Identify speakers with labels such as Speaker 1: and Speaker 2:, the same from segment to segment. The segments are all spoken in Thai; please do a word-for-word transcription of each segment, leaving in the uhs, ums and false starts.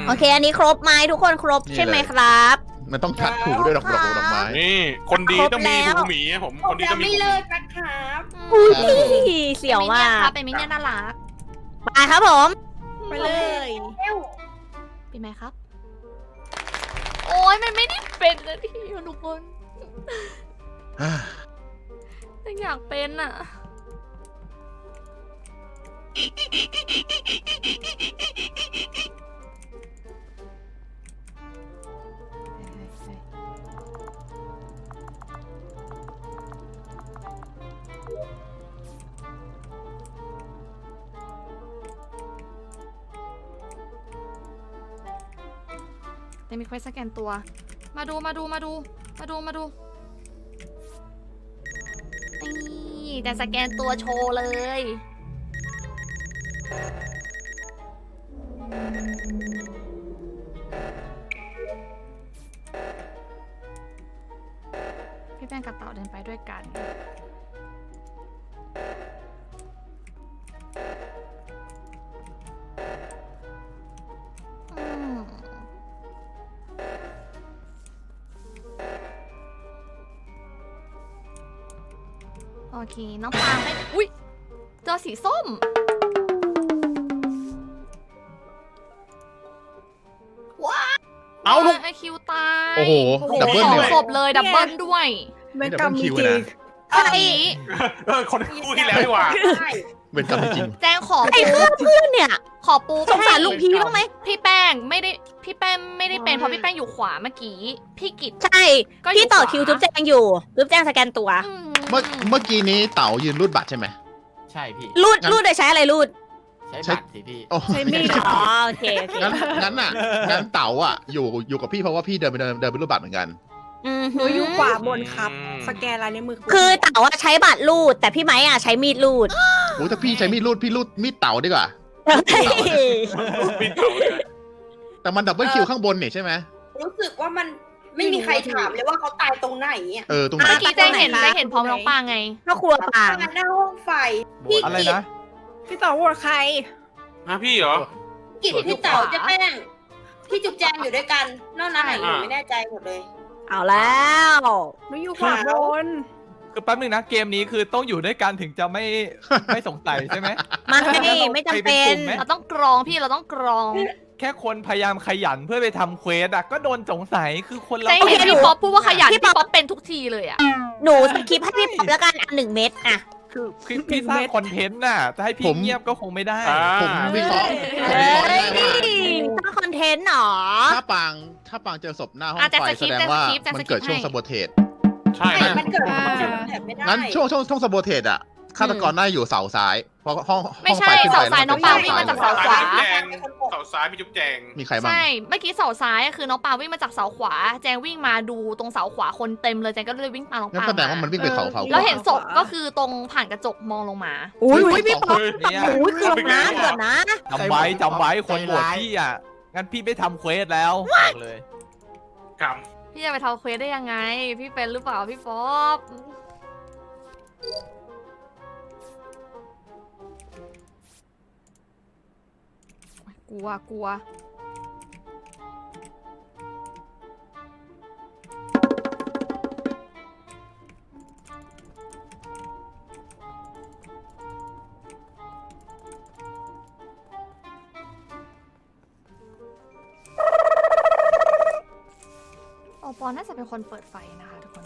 Speaker 1: โอเค อันนี้ครบไหมทุกคนครบใช่ไหมครับ
Speaker 2: มันต้องทัดถูด้วยดอกดอกดอกไม้
Speaker 3: นี่คนดีต้องมี
Speaker 1: ครบแล้ว
Speaker 3: หูหมีผมคนดีต้องมี
Speaker 4: ไม่
Speaker 3: หูห
Speaker 4: เลิ
Speaker 3: มี
Speaker 4: กนะครับ
Speaker 1: อุ้ยเสียวมาก
Speaker 5: เป็นมิเนี่ยน่ารัก
Speaker 1: ไปครับผม
Speaker 6: ไปเลย
Speaker 4: เร็ว
Speaker 5: เป็นไหมครับ โอ้ยมันไม่ได้เป็นนะที่ทุกคนยังอยากเป็นอ่ะแต่มีเควสสแกนตัว มาดูมาดูมาดูมาดูมาดูนี่แต่สแกนตัวโชว์เลยพี่แป้งกับเต่าเดินไปด้วยกันอืมโอเค น้องปางไม่อุ้ยเจอสีส้ม
Speaker 3: เอาลูก
Speaker 5: ไอคิวตาย
Speaker 2: โอ้โหดับเบิล
Speaker 5: สอ
Speaker 2: เล
Speaker 5: ง
Speaker 2: ย
Speaker 5: ศพเลยดับเบิลด้วย
Speaker 6: เวรกรรมมีจริง
Speaker 5: ไอ้
Speaker 3: เออคนคู่ที่แล้วดีกว่า
Speaker 4: ใช่
Speaker 2: เป็นกรรมจริง
Speaker 5: แจ้งขอ
Speaker 1: ไอ้
Speaker 5: ปู
Speaker 1: เพื่อนเพื่อนเนี่ย
Speaker 5: ขอปู
Speaker 1: สงสารลุงพีบ้างไหม
Speaker 5: พี่แป้งไม่ได้พี่แป้งไม่ได้เป็นเพราะพี่แป้งอยู่ขวาเมื่อกี้พี่กิจ
Speaker 1: ใช่
Speaker 5: ก็อยู่
Speaker 1: พี่ต่อ
Speaker 5: ขวา
Speaker 1: คิวจุ๊บแจงอยู่จุ๊บแจงสแกนตัว
Speaker 5: อืม
Speaker 2: ๆ เมื่อเมื่อกี้นี้เต๋ายืนรูดบัตรใช่ไหม
Speaker 7: ใช่พี่
Speaker 1: รูด
Speaker 2: งั้น
Speaker 1: รูดโดยใช้อะไรรูด
Speaker 7: ใช้บัตรสิพี่
Speaker 2: โอ้
Speaker 6: ใช้มีด
Speaker 1: อ๋อโอเคโอเค
Speaker 2: งั้นงั้นอ่ะงั้นเต๋าอ่ะอยู่อยู่กับพี่เพราะว่าพี่เดินไปเดินเดินไปรูดบัตรเหมือนกัน
Speaker 1: อืม
Speaker 6: หนูอยู่ขวาบนครับ สแกนลายนิ้วมือ
Speaker 1: คือเต๋าอะใช้บัตรรูด แต่พี่ไม้อะใช้มีดรูด
Speaker 2: โอ้ถ้าพี่ใช้มีดรูดพี่รูดมีดเต๋าดีกว่า
Speaker 3: ปีนเขาเลย
Speaker 2: แต่มันดับเบิลคิวข้างบนนี่ใช่ไหม
Speaker 4: รู้สึกว่ามันไม่มีใครถามเลยว่าเขาตายตรงไหนอ่ะ
Speaker 2: เออตรงไหน
Speaker 5: เมื่อกี้แจ้งเห็นแจ้งเห็นพร้อมน้องปางไง
Speaker 1: พ่อครัวปาง
Speaker 4: ตายหน้าห้องไฟพี่
Speaker 8: อะไร
Speaker 4: กิจ
Speaker 8: นะ
Speaker 6: พี่ต่อโหวตใคร
Speaker 3: ฮะพี่เหรอ
Speaker 4: กิจพี่เต๋าเจะแป้งพี่จุ๊บแจงอยู่ด้วยกันนอกนั้นไหนหนูไม่แน่ใจหมดเลย
Speaker 1: เอาแล้ว
Speaker 6: หนูอยู่ขวาบน
Speaker 8: คือแป๊บนึงนะเกมนี้คือต้องอยู่ด้วยกันถึงจะไม่ ไม่สงสัยใช่ไหม
Speaker 1: ไม่ไม่จำเป็น
Speaker 8: ไปเป็นกลุ่มไหม
Speaker 5: เราต้องกรองพี่เราต้องกรอง
Speaker 8: แค่คนพยายามขยันเพื่อไปทำเควสอะก็โดนสงสัยคือคนเรา
Speaker 5: แจ้งเห็นพี่ป๊อปพูดว่าขยันพี่ป๊อปเป็นทุกทีเลยอ่ะ
Speaker 1: หนูสคริปต์ให้พี่ป๊อปแล้วกันอันหนึ่งเม็ดอะ
Speaker 8: คือคือพี่สร้างคอนเทนต์น่ะจะให้พี่เงียบก็คงไม่ได้
Speaker 3: อ่า
Speaker 2: ผมวิเคราะห์ผม
Speaker 1: เฮ้
Speaker 2: วิเคราะห์ได้ว่า
Speaker 1: ยสร้างคอนเทนต์หรอ
Speaker 2: ถ้าปางถ้าปางเจอศพหน้าห้อง
Speaker 5: อ่ะแต่
Speaker 2: ไฟ
Speaker 5: สคริ
Speaker 2: แส
Speaker 5: ปต์
Speaker 2: ดงว่า
Speaker 5: แต่สคริปต์แต่
Speaker 2: มัน
Speaker 5: สคริปต์
Speaker 2: เกิดช่วง
Speaker 5: ให้
Speaker 2: สบเทต
Speaker 3: ใช่
Speaker 4: ใช่
Speaker 3: ฮะ
Speaker 4: มันเกิด
Speaker 6: อ่า
Speaker 4: มันเกิดแถบไม่ได้
Speaker 2: งั้นช่วงช่วงช่วงสบเทตอะฆาตกรน่าจะอยู่เสาซ้าย เพราะห้องห้
Speaker 5: ไม่
Speaker 2: อง
Speaker 5: ใช่
Speaker 2: ไฟขึ้นไป
Speaker 5: เสาซ้าย
Speaker 2: แล้ว
Speaker 5: น้องปางวิ่งมาจากเสาขวา
Speaker 3: จุ๊บแจงเสาซ้ายพี่จุ๊บแจง
Speaker 2: มีใครบ้าง
Speaker 5: ใช่ เมื่อกี้เสาซ้ายคือน้องปางวิ่งมาจากเสาขวา แจงวิ่งมาดูตรงเสาขวาคนเต็มเลยแจงก็เลยวิ่งตามน้อง
Speaker 2: งั้น
Speaker 5: ปาง
Speaker 2: แสดงว่ามันวิ่งไปเขาเสาข
Speaker 5: แล้ว
Speaker 2: วา
Speaker 5: เห็นศพก็คือตรงผ่านกระจกมองลงมา
Speaker 1: อุ้ย
Speaker 2: เฮ้ย
Speaker 1: พี่ป๊อป
Speaker 8: เนี่ย
Speaker 1: อุ้ยเกือบนะเกือบนะ
Speaker 8: จำไว้จำไว้คนโหวตพี่อ่ะงั้นพี่ไม่ทำเควสแล้วบอกเลย
Speaker 3: ครับ
Speaker 5: พี่จะไปทำเควสได้ยังไง พี่เป็นหรือเปล่าพี่ป๊อปกลัวกลัว โอปอน่าจะเป็นคนเปิดไฟนะคะทุกคน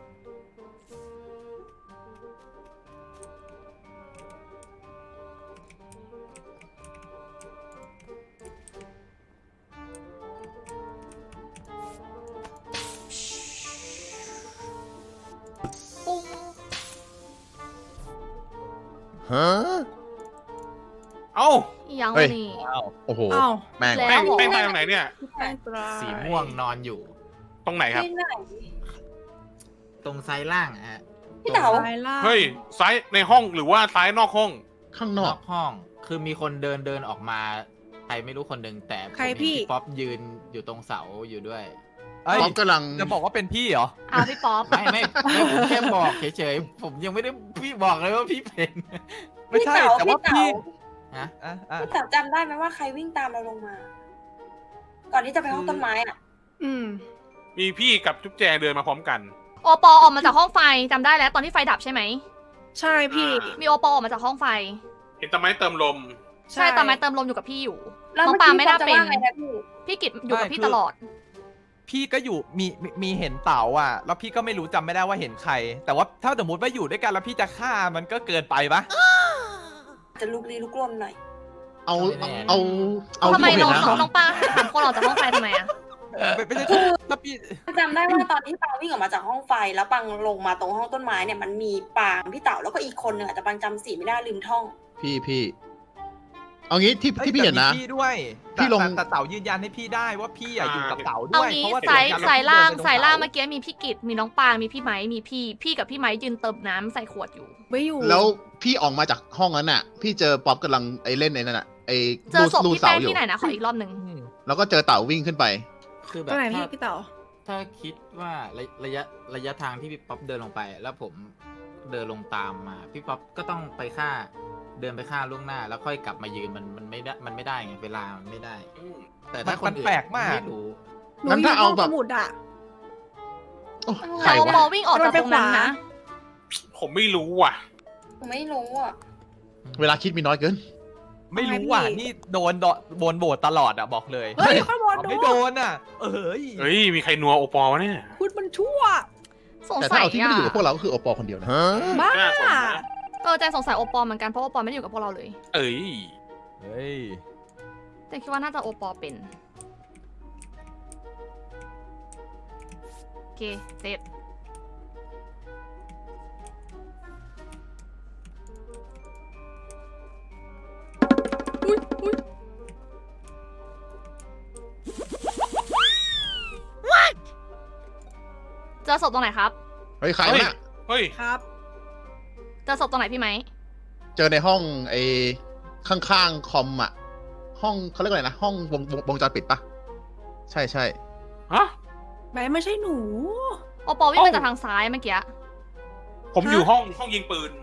Speaker 5: ปุ้ง
Speaker 2: ฮะ
Speaker 3: เอ้า
Speaker 5: อีหยัง
Speaker 2: เฮ้
Speaker 5: วะ
Speaker 2: ย
Speaker 5: นี่
Speaker 2: โอ้โห
Speaker 6: อ้าว
Speaker 2: แม่ง
Speaker 5: แล้ว
Speaker 3: แป้งแป้งมาตรงไหนเนี่ย
Speaker 6: พี่แป้งตราย
Speaker 7: สีม่วงนอนอยู่
Speaker 3: ตรงไหนครับ
Speaker 4: ที่ไหน
Speaker 7: ตรงซ้ายล่างอะฮะ
Speaker 4: พี่เต๋า
Speaker 6: ซ้ายล่าง
Speaker 3: เฮ้ยซ้ายในห้องหรือว่าซ้ายนอกห้อง
Speaker 2: ข้างน
Speaker 7: น
Speaker 2: อ
Speaker 7: อก กห้อง คือมีคนเดินเดินออกมา ใครไม่รู้คนหนึ่งแต่ผม
Speaker 6: ใคร
Speaker 7: เห็น
Speaker 6: พี่
Speaker 7: ป๊อปยืนอยู่ตรงเสาอยู่ด้วย
Speaker 8: เอ้ย
Speaker 2: ป๊อปกำลัง
Speaker 8: จะบอกว่าเป็นพี่เหรอ
Speaker 5: อ้าวพี่ป๊อป
Speaker 7: ไม่ไม่ไม่ผมแค่บอกเฉยๆ ผมยังไม่ได้พี่บอกเลยว่าพี่เป็น
Speaker 8: ไม่ใช่
Speaker 4: พี่เต๋า
Speaker 8: แต่ว่า
Speaker 4: พี่
Speaker 8: พี่
Speaker 4: เต๋า
Speaker 7: ฮะ
Speaker 8: อ่ะอ่ะ
Speaker 4: พี่เต๋าจำได้ไหมว่าใครวิ่งตามเราลงมาก่อนที่จะไปห้องต้นไม้อ่ะ
Speaker 6: อืม
Speaker 3: มีพี่กับจุ๊บแจงเดินมาพร้อมกัน
Speaker 5: โอปอออกมาจากห้องไฟจำได้แล้วตอนที่ไฟดับใช่ไหม
Speaker 6: ใช่พี่
Speaker 5: มีโอปอออกมาจากห้องไฟ
Speaker 3: เห็นต้นไม้เติมลม
Speaker 5: ใช่ตอนไม้เติมลมอยู่กับพี่อยู่
Speaker 4: แล้ว
Speaker 5: น้อง
Speaker 4: เมื่อ
Speaker 5: ปา
Speaker 4: กี้
Speaker 5: ไม่
Speaker 4: เขา
Speaker 5: น่า
Speaker 4: จะ
Speaker 5: เป็น
Speaker 4: ว่าไงนะพี่
Speaker 5: พี่กิจอยู่กับพี่ตลอด
Speaker 8: พี่ก็อยู่มีมีมีเห็นเต๋าอ่ะ แล้วพี่ก็ไม่รู้จำไม่ได้ว่าเห็นใคร แต่ว่าถ้าสมมติว่าอยู่ด้วยกันแล้วพี่จะฆ่ามันก็เกินไปปะ
Speaker 4: จะลุกลี้ลุกลนหน่อย
Speaker 2: เอาเอาเอา
Speaker 5: ทำไม
Speaker 2: ที่ผม
Speaker 5: น้
Speaker 2: เห็
Speaker 5: อง
Speaker 2: นนะ
Speaker 5: น้องปาถามคนออกจากห้องไฟทำไมอะ
Speaker 8: ไม่ไม่ใช่ถ้าพี่
Speaker 4: จำได้ว่าตอนที่ปังวิ่งออกมาจากห้องไฟแล้วปังลงมาตรงห้องต้นไม้เนี่ยมันมีปางพี่เต๋าแล้วก็อีกคนหนึ่งอะแต่ปังจำสีไม่ได้ลืมท่อง
Speaker 2: พี่พี่เอางี้ที่ที่พี่เห็นนะ
Speaker 8: แต่มีพี่ด้วย
Speaker 2: พี่ลง
Speaker 8: แต่แต่เต๋ายืนยันให้พี่ได้ว่าพี่อะอยู่กับเต๋า
Speaker 5: เอา
Speaker 8: ด้วย
Speaker 5: งี้
Speaker 8: เพราะว่า
Speaker 5: สาย
Speaker 8: เดี๋ว
Speaker 5: สายล่าง
Speaker 8: เดินไปตร
Speaker 5: สายล่าง
Speaker 8: เต๋
Speaker 5: เมื่อกี้มีพี่กิจมีน้องปางมีพี่ไม้มีพี่ พี่กับพี่ไม้ยืนเติมน้ำใส่ขวดอยู่
Speaker 6: ไม่อยู่
Speaker 2: แล้วพี่ออกมาจากห้องนั้นน่ะ พี่เจอป๊อปกำลังไอ้เล่นไอ้นั่นน่ะไอ้
Speaker 5: เจอศพ
Speaker 2: ลู
Speaker 5: พี่
Speaker 2: เสา
Speaker 5: แป้ง
Speaker 2: อยู่
Speaker 5: ที่ไหนนะขออีกรอบหนึ่ง
Speaker 8: อืม
Speaker 2: แล้วก็เจอเต่าวิ่งขึ้นไป
Speaker 7: คือแบ
Speaker 6: ตร
Speaker 7: บ
Speaker 6: งไหนพี่
Speaker 7: ถ้า
Speaker 6: พี่เต๋อ
Speaker 7: ถ้าคิดว่าระระยะระยะทางที่พี่ป๊อปเดินลงไป แล้วผมเดินลงตามมา พี่ป๊อปก็ต้องไปฆ่า เดินไปฆ่าล่วงหน้า แล้วค่อยกลับมายืนมันมันไม่ได้มันไม่ได้ไงเวลามันไม่ได้ แต่ถ้าคน
Speaker 8: มัน
Speaker 7: อื่น
Speaker 8: แปลกมาก
Speaker 7: ไม่รู้
Speaker 6: หนู
Speaker 2: งั้น
Speaker 6: อยู่
Speaker 2: ถ้า
Speaker 6: ห้
Speaker 2: เอา
Speaker 6: อง
Speaker 2: แบ
Speaker 6: ส
Speaker 2: บ
Speaker 6: มุดอะ
Speaker 2: โอ้ใคร
Speaker 5: แต่โอปอ
Speaker 2: วะ
Speaker 5: วิ่งออกจากตรงนั้นนะ
Speaker 3: ผมไม่รู้ว่ะ
Speaker 4: ผมไม่รู้อ่ะ
Speaker 2: เวลาคิดมีน้อยเกิน
Speaker 8: ไม่รู้ว่ะนี่โดนโดนโดนโบดตลอดอะบอกเลย
Speaker 6: เฮ้ยข้างบน
Speaker 8: เอา
Speaker 6: ดู
Speaker 8: ไม่โดนอะเอ้ย
Speaker 3: เฮ้ย มีใครนัวโอปอวะเนี่ย
Speaker 6: คุณมันชั่ว
Speaker 5: สง
Speaker 2: แต่
Speaker 5: สั
Speaker 2: ถ้าย เอาที่ไม่
Speaker 5: อ่ะ
Speaker 2: ได้อยู่กับพวกเราก็คือโอปอคนเดียวนะ
Speaker 6: บ้า
Speaker 3: น่าสนนะ
Speaker 5: เออแจงสงสัยโอปอเหมือนกันเพราะโอปอไม่ได้อยู่กับพวกเราเลย
Speaker 3: เอ้ย
Speaker 8: เฮ้ย
Speaker 5: แต่คิดว่าน่าจะโอปอเป็นโอเคเสร็จอุ๊ยอุ๊ยเจอศพตรงไหนครับ
Speaker 2: เฮ้ยใคร
Speaker 3: เฮ้
Speaker 2: วะ
Speaker 3: ย
Speaker 2: น่ะ
Speaker 3: เฮ้ย
Speaker 6: ครับ
Speaker 5: เจอศพตรงไหนพี่ไหม
Speaker 2: เจอในห้องไอ้ข้างๆคอมอ่ะ ห้องเขาเรียกอะไรนะ ห้องวงวงวงจรปิดปะใช่ใช่
Speaker 3: ฮะ
Speaker 6: ไม่ไม่ใช่หนู
Speaker 5: โอปอวิ่งมาจากทางซ้ายเมื่อกี้
Speaker 3: ผมอยู่ห้องห้องยิงปืน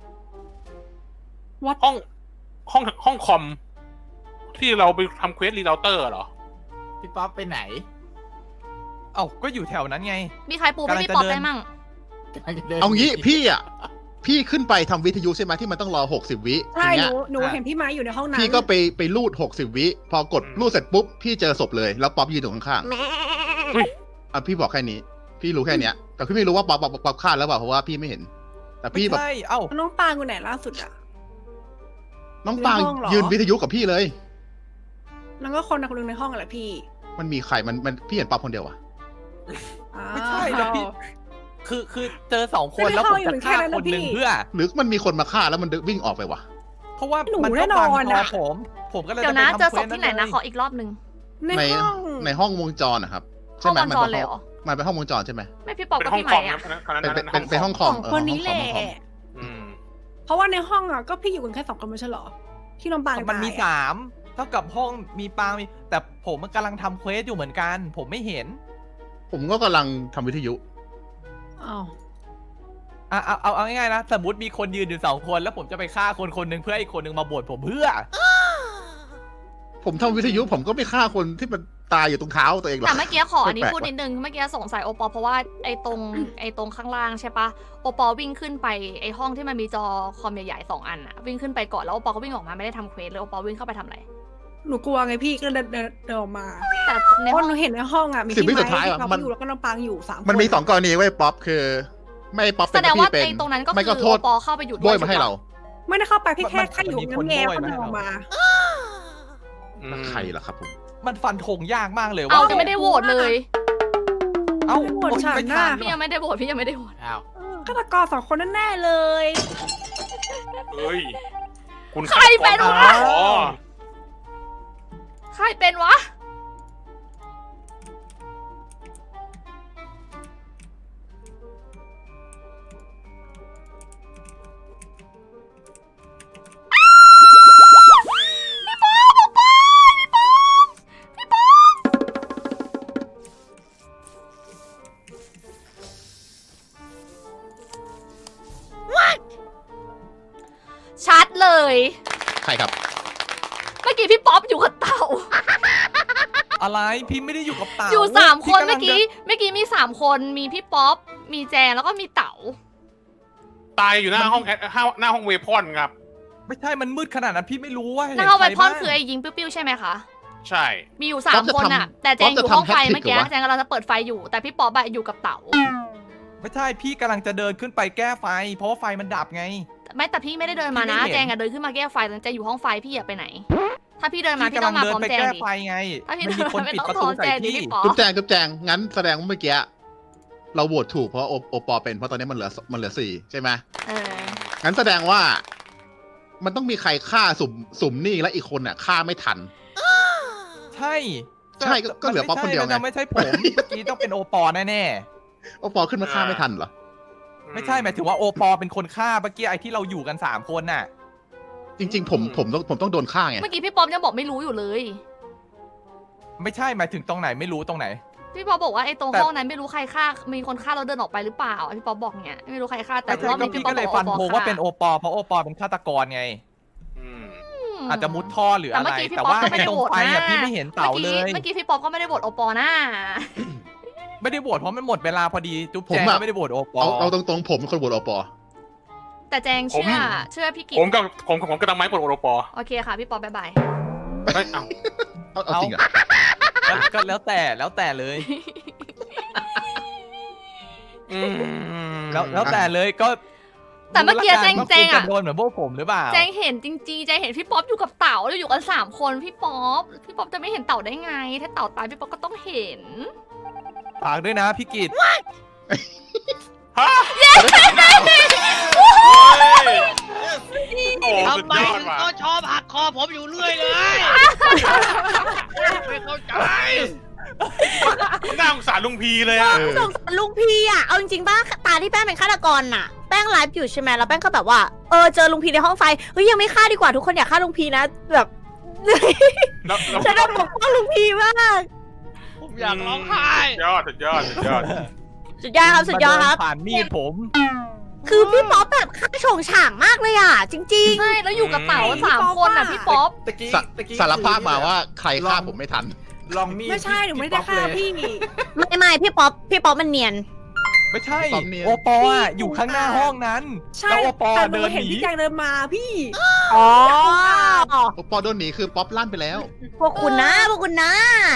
Speaker 6: What?
Speaker 3: ห้องห้องห้องคอม ที่เราไปทำเควสรีเราเตอร์เหรอ
Speaker 7: พี่ป๊อปไปไหน
Speaker 8: เอ้าก็อยู่แถวนั้นไง
Speaker 5: มีใครปูให้พี่
Speaker 8: กำลังจะ
Speaker 5: ป๊อป
Speaker 8: เดิน
Speaker 5: ได้มั่ง
Speaker 2: เอางี้พี่อ่ะ พี่ขึ้นไปทำวิทยุใช่ไหมที่มันต้องรอหกสิบวิ
Speaker 6: ใช่
Speaker 2: ที
Speaker 6: ห
Speaker 2: เงี้
Speaker 6: นู
Speaker 2: ย
Speaker 6: หนูเห็นพี่ไม้อยู่ในห้องนั้น
Speaker 2: พี่ก็ไปไปรูดหกสิบวิ พอกด
Speaker 3: อืม
Speaker 2: รูดเสร็จปุ๊บ พี่เจอศพเลย แล้วป๊อปยืนอยู่ข้าง
Speaker 3: เฮ้ย
Speaker 2: ๆอ่ะพี่บอกแค่นี้ พี่รู้แค่เนี้ย แต่พี่ไม่รู้ว่าป๊อปป๊อปป๊อปฆ่าแล้วเปล่าเพราะว่าพี่ไม่เห็น แต่
Speaker 8: ไม่
Speaker 2: พี่แบบ
Speaker 8: ใช่ เอ้า
Speaker 6: น้องปางอยู่ไหนล่าสุดอะ
Speaker 2: น้องปาง
Speaker 6: ในห้องเหรอ
Speaker 2: ยืนวิทยุกับพี่เลย
Speaker 6: แล้วก็คนคนหนึงในห้องอะไรพี่
Speaker 2: มันมีใครมันมันพี่เห็นป๊อปคนเดียวอะ
Speaker 8: ไม่ใช่แล้วพี่ คือคือเจอสองคน
Speaker 6: ไม่ได้
Speaker 8: แล้วผม
Speaker 6: เข้าอยู่
Speaker 8: จะ
Speaker 6: แค่
Speaker 8: ฆ่า
Speaker 6: นั้น
Speaker 8: ค
Speaker 6: นะ
Speaker 8: นหนึ่ง
Speaker 6: พี่
Speaker 8: เพื่อ
Speaker 2: หรือมันมีคนมาฆ่าแล้วมันวิ่งออกไปวะ
Speaker 8: เพราะว่า
Speaker 6: หนู
Speaker 8: มัน
Speaker 6: แน่
Speaker 8: ก็
Speaker 6: น
Speaker 8: บัง
Speaker 6: อน
Speaker 8: คอ
Speaker 6: อะ
Speaker 8: ผม ผมก็เลย
Speaker 5: เดี๋ยว
Speaker 8: จ
Speaker 5: นะ
Speaker 8: ไปทำ
Speaker 5: เจอศพ
Speaker 8: ควส
Speaker 5: ที่ไหนนะ
Speaker 8: เลย
Speaker 5: ขออีกรอบหนึ่ง
Speaker 6: ใน
Speaker 2: ใน
Speaker 6: ห้อง
Speaker 2: ในห้องวงจรนะครับ
Speaker 5: ห้
Speaker 2: ใช่
Speaker 5: อง
Speaker 2: ไหม
Speaker 5: วง
Speaker 2: มัน
Speaker 5: จร
Speaker 2: เป็น
Speaker 5: เลย
Speaker 2: ห้
Speaker 5: เห
Speaker 2: อง
Speaker 5: รอ
Speaker 2: มันเป็นห้องวงจรใช่ไหม
Speaker 5: ไม่พี่ป๊อป
Speaker 3: เป็น
Speaker 5: กับ
Speaker 3: ห้อง
Speaker 5: พี่
Speaker 3: ค
Speaker 5: ไหม
Speaker 3: อม
Speaker 5: อะ
Speaker 3: นะคณะ
Speaker 2: เป็น
Speaker 3: นั้น
Speaker 2: เป็นเป็นห้องค
Speaker 6: ส
Speaker 2: อ
Speaker 6: อ
Speaker 2: ม
Speaker 6: ง
Speaker 2: เออ
Speaker 6: คนนี้
Speaker 2: ห้อง
Speaker 6: แห
Speaker 2: คอ
Speaker 6: ละ
Speaker 2: มห้องคอม
Speaker 3: อืม
Speaker 6: เพราะว่าในห้องอะก็พี่อยู่กันแค่สองคนไม่ใช่เหรอ ที่น้องปาง
Speaker 8: มันมี
Speaker 6: ตายอะ
Speaker 8: สามเท่ากับห้องมีปางมี แต่ผมมันกำลังทำเควสอยู่เหมือนกัน ผมไม่เห็น
Speaker 2: ผมก็กำลังทำวิทยุ
Speaker 6: อ้าว
Speaker 8: อ่ะเอาเอาเอาง่ายๆนะ สมมติมีคนยืนอยู่สองคน แล้วผมจะไปฆ่าคนคนหนึ่งเพื่อให้อีกคนหนึ่งมาบวชผมเพื่อ
Speaker 2: ผมทำวิทยุผมก็ไม่ฆ่าคนที่มันตายอยู่ตรงเท้าตัวเองหรอก
Speaker 5: แต่เมื่อกี้ขออันนี้
Speaker 2: แปลกๆ
Speaker 5: พูดนิดนึง เมื่อกี้สงสัยโอปอเพราะว่าไอ้ตรงไอ้ตรงข้างล่างใช่ปะโอปอวิ่งขึ้นไปไอ้ห้องที่มันมีจอคอมใหญ่ๆสองอันอะวิ่งขึ้นไปก่อนแล้วโอปอก็วิ่งออกมาไม่ได้ทำเควสเลยโอปอวิ่งเข้าไปทำอะไร
Speaker 6: หนูกลัวไงพี่ก็เดินเดินเดินออกมา
Speaker 5: แต่ใน
Speaker 6: เพ
Speaker 5: ห้อ
Speaker 6: ราะ
Speaker 5: ง
Speaker 6: หนูเห็นในห้องอะมี
Speaker 2: สิบ
Speaker 6: พี่
Speaker 2: วิ
Speaker 6: ไม้
Speaker 2: สุดท้าย
Speaker 6: พี่
Speaker 2: อะ
Speaker 6: ป๊อป
Speaker 2: มัน
Speaker 6: อยู่แล้วก็น้องปางอยู่สามคน
Speaker 2: มันมีสองกรณีไว้ยป๊อปคือ ไม่ป๊อป
Speaker 5: แส
Speaker 2: เป็น
Speaker 5: ดง
Speaker 2: พี่
Speaker 5: ว่า
Speaker 2: เป็น
Speaker 5: ไอ้ตรงนั้นก็
Speaker 2: ไม่
Speaker 5: คื
Speaker 2: ก็
Speaker 5: อ
Speaker 2: โท
Speaker 5: โอ
Speaker 2: ษ
Speaker 5: ปอเข้าไปอยู่
Speaker 2: โบ
Speaker 5: ด้วย
Speaker 2: ยมาให้เรา
Speaker 6: ไม่ได้เข้าไปพี่แค่
Speaker 8: มัน
Speaker 6: แค่อยู่
Speaker 8: มันมี
Speaker 6: งั้นแง
Speaker 8: คน
Speaker 6: ก็
Speaker 8: ด้วย
Speaker 6: เดินออกมา
Speaker 3: อืม
Speaker 2: ใครล่ะครับผม
Speaker 8: มันฟันธงยากมากเลย
Speaker 5: เอา
Speaker 8: ว่า
Speaker 5: จะไม่ได้โหวตเลย
Speaker 8: เอ้า
Speaker 6: โหวตฉัน
Speaker 8: ไม่
Speaker 6: น่ะ
Speaker 8: ทัน
Speaker 5: พี่ยังไม่ได้โหวตพี่ยังไม่ได้โหวต
Speaker 7: อ้าว
Speaker 6: ฆาตกรสองคนแน่ๆเลย
Speaker 3: เฮ้ย คุณ
Speaker 5: ใครเป็นวะ
Speaker 3: อ๋อ
Speaker 5: ใครเป็นวะ ชัดเลย
Speaker 2: ใครครับ
Speaker 5: เมื่อกี้พี่ป๊อปอยู่กับเต่า
Speaker 8: เอะไรพี่ไม่ได้อยู่กับเต่า
Speaker 5: อยู่สามคน
Speaker 8: พี่ำลั
Speaker 5: เมื่อง กี้
Speaker 8: จะ
Speaker 5: เมื่อกี้มีสามคนมีพี่ป๊อปมีแจงแล้วก็มีเต๋า
Speaker 3: ตายอยู่หน้าห้องแอดหน้าห้องเวพอนครับ
Speaker 8: ไม่ใช่มันมืดขนาดนั้นพี่ไม่รู้ว่าเห็น
Speaker 5: หน้าห้อง
Speaker 8: ใค
Speaker 5: ไว
Speaker 8: ร
Speaker 5: พอน
Speaker 8: บ้าง
Speaker 5: คือไอ้ยิงปิ้วๆใช่ไหมคะ
Speaker 3: ใช่
Speaker 5: มีอยู่สามคนอะแต่แจงอยู่ห้องไฟเมื่อกี้แจงกำลังจะเปิดไฟอยู่แต่พี่ป๊อปอะอยู่กับเต๋า
Speaker 8: ไม่ใช่พี่กำลังจะเดินขึ้นไปแก้ไฟ เพราะว่าไฟมันดับไง
Speaker 5: ไม่แต่พี่ไม่ได้เดินมานะ
Speaker 8: พี่ไม่เห็น
Speaker 5: แจงอะเดินขึ้นมาแก้ไฟแต่แจงอยู่ห้องไฟพี่อะไปไหน ถ้าพี่เดินมา
Speaker 8: พี่
Speaker 5: พี่
Speaker 8: กำ
Speaker 5: ต้
Speaker 8: ลั
Speaker 5: อง งมา
Speaker 8: เดิ
Speaker 5: พร้อม
Speaker 8: ไป
Speaker 5: แจง
Speaker 8: แก้
Speaker 5: ดิ
Speaker 8: ไฟไง
Speaker 5: ถ้าพี่
Speaker 8: มันมีคน
Speaker 5: ไม่
Speaker 8: ปิด
Speaker 5: ต้อง
Speaker 8: ประ
Speaker 5: พร้
Speaker 8: ตู
Speaker 5: อม
Speaker 8: ใส่
Speaker 5: แจงดิ
Speaker 8: พี่
Speaker 5: พี่ป๊อป
Speaker 2: จุ๊บแจงจุ๊บแจงงั้นแสดงว่าเมื่อกี้เราโหวตถูกเพราะโอโอปอเป็นเพราะตอนนี้มันเหลือมันเหลือสี่ใช่ไหม
Speaker 5: เออ
Speaker 2: งั้นแสดงว่า มันต้องมีใครฆ่าสุ่มสุ่มนี่และอีกคนน่ะฆ่าไม่ทัน
Speaker 8: ใช่
Speaker 2: ใช่ก็ก็เหลือป๊อปคนเดียวไง
Speaker 8: มันไม่ใช่ผมเมื่อกี้ต้องเป็นโอปอแน่
Speaker 2: โอปอขึ้นมาฆ่าไม่ทันเหรอ
Speaker 8: ๆไม่ใช่หมายถึงว่าโอปอเป็นคนฆ่าเมื่อกี้ไอ้ที่เราอยู่กันสามคนน่ะ
Speaker 2: จริง ๆ ผมผมต้องผมต้องโดนฆ่าไง
Speaker 5: เมื่อกี้พี่ป๊อปยังบอกไม่รู้อยู่เลย
Speaker 8: ไม่ใช่หมายถึงตรงไหนไม่รู้ตรงไหน
Speaker 5: พี่ป๊อปบอกว่าไอ้ตรง
Speaker 8: แต่
Speaker 5: ห้องนั้นไม่รู้ใครฆ่ามีคนฆ่าเราเดินออกไปหรือเปล่าพี่ป๊อปบอกเนี้ยไม่รู้ใครฆ่าแต่
Speaker 8: แต่
Speaker 5: รอบ
Speaker 8: ก็
Speaker 5: นี้
Speaker 8: พี่
Speaker 5: พี่ป๊อ
Speaker 8: ก็
Speaker 5: ป
Speaker 8: เลย
Speaker 5: บอก
Speaker 8: ฟัน
Speaker 5: โอป
Speaker 8: ธ
Speaker 5: อง
Speaker 8: ว่า
Speaker 5: ฆ่า
Speaker 8: เป็นโอปอเพราะโอปอเป็นฆาตกรไง
Speaker 3: อืม
Speaker 8: อาจจะมุดท่อหรือ
Speaker 5: แต่
Speaker 8: อะไร
Speaker 5: เมื่อกี้พี่
Speaker 8: แต่
Speaker 5: ป๊อป
Speaker 8: ว่า
Speaker 5: ก็ไม่
Speaker 8: ไอ้
Speaker 5: ได้
Speaker 8: ตรง
Speaker 5: โหวต
Speaker 8: ไฟ
Speaker 5: นะ
Speaker 8: อ่ะพี่ไม่เห็นเต่าเลย
Speaker 5: เมื่อกี้พี่ป๊อปก็ไม่ได้โหวตโอปอนะ
Speaker 8: ไม่ได้โหวตเพราะมันหมดเวลาพอดีจุ๊บ
Speaker 2: ผม
Speaker 8: แจง
Speaker 2: อะ
Speaker 8: ก็ไม่ได้โหวตโอปอ
Speaker 2: เอาเอาตรงๆผมเป็นคนโหวตโอปอ
Speaker 5: แต่แจงเชื่อเชื่อพี่กิจ
Speaker 3: ผมกับผมผมกับตังไม้ปลดโอปอ
Speaker 5: โอเคค่ะพี่ป๊อปบ๊ายบาย
Speaker 3: เฮ้ยเอ้า
Speaker 2: เอาเอาจริงเหรอ
Speaker 8: แล้วก็แล้วแต่แล้วแต่เลย
Speaker 3: อืม
Speaker 8: แล้วแล้วแต่เลยก็
Speaker 5: แต่เมื่อกี้
Speaker 8: รู้ละ
Speaker 5: แจง
Speaker 8: ว่า
Speaker 5: แจง
Speaker 8: คุณ
Speaker 5: อะ
Speaker 8: โดนเหมือนพวกผมหรือเปล่า
Speaker 5: แจงเห็นจริงๆแจงเห็นพี่ป๊อปอยู่กับเต่าแล้วอยู่กันสามคนพี่ป๊อปพี่ป๊อปจะไม่เห็นเต่าได้ไง ถ้าเต่าตายพี่ป๊อปก็ต้องเห็น
Speaker 8: ฝากด้วยนะพี่กิต
Speaker 3: ฮะโอ้สุด
Speaker 9: ทำไม
Speaker 3: ยอด
Speaker 9: ถึง
Speaker 3: ว่ะ
Speaker 9: ก็ชอบหักคอผมอยู่เรื่อยเลย ไม่เข้าใจ
Speaker 3: น่าสงสารลุงพีเลยอะ
Speaker 1: สงสารลุงพี่อ่ะ เอาจริงๆป่ะตาที่แป้งเป็นฆาตกรน่ะ แป้งไลฟ์อยู่ใช่ไหมแล้วแป้งก็แบบว่า เออเจอลุงพีในห้องไฟ เฮ้ยยังไม่ฆ่าดีกว่าทุกคนอยากฆ่าลุงพีนะ แบบ
Speaker 3: แล้วแล้ว
Speaker 1: ฉันต้องปกป้องลุงพีมาก
Speaker 9: ผมอยากร้องไห้
Speaker 3: สุดยอดสุดยอดสุดยอด
Speaker 1: สุดยอดครับสุดยอดครับ
Speaker 8: ผ่านมีดผม
Speaker 1: คือพี่ป๊อปแบบฆ่าโฉงฉ่างมากเลยอ่ะ จริง
Speaker 5: ใช่แล้วอยู่กับเต่าสามคนอ่ะพี่ป๊อป
Speaker 7: ตะกี้
Speaker 2: สะ
Speaker 7: ตะกี้
Speaker 2: สารภาพมา
Speaker 7: คือ
Speaker 2: ว่าใครฆ่าผมไม่ทัน
Speaker 7: ลองมีด
Speaker 6: ไม่ใช่หนูไม่ได้ฆ่าพี่
Speaker 1: ๆ ไม่ไม่พี่ป๊อปพี่ป๊อปมันเนียน
Speaker 8: ไม่ใช่
Speaker 2: ตอนเนี้ย
Speaker 8: โอปออะอยู่ข้างหน้าห้องนั้น
Speaker 6: ใช่
Speaker 8: แล้วโอปอ
Speaker 6: แต่หนู
Speaker 8: เดิน
Speaker 6: เห็น
Speaker 8: หนี
Speaker 6: พี่แจงเดินมาพี่
Speaker 1: อ๋อ
Speaker 2: โอปอโดนหนีคือป๊อปลั่นไปแล้ว
Speaker 1: พวกคุณนะพวกคุณนะ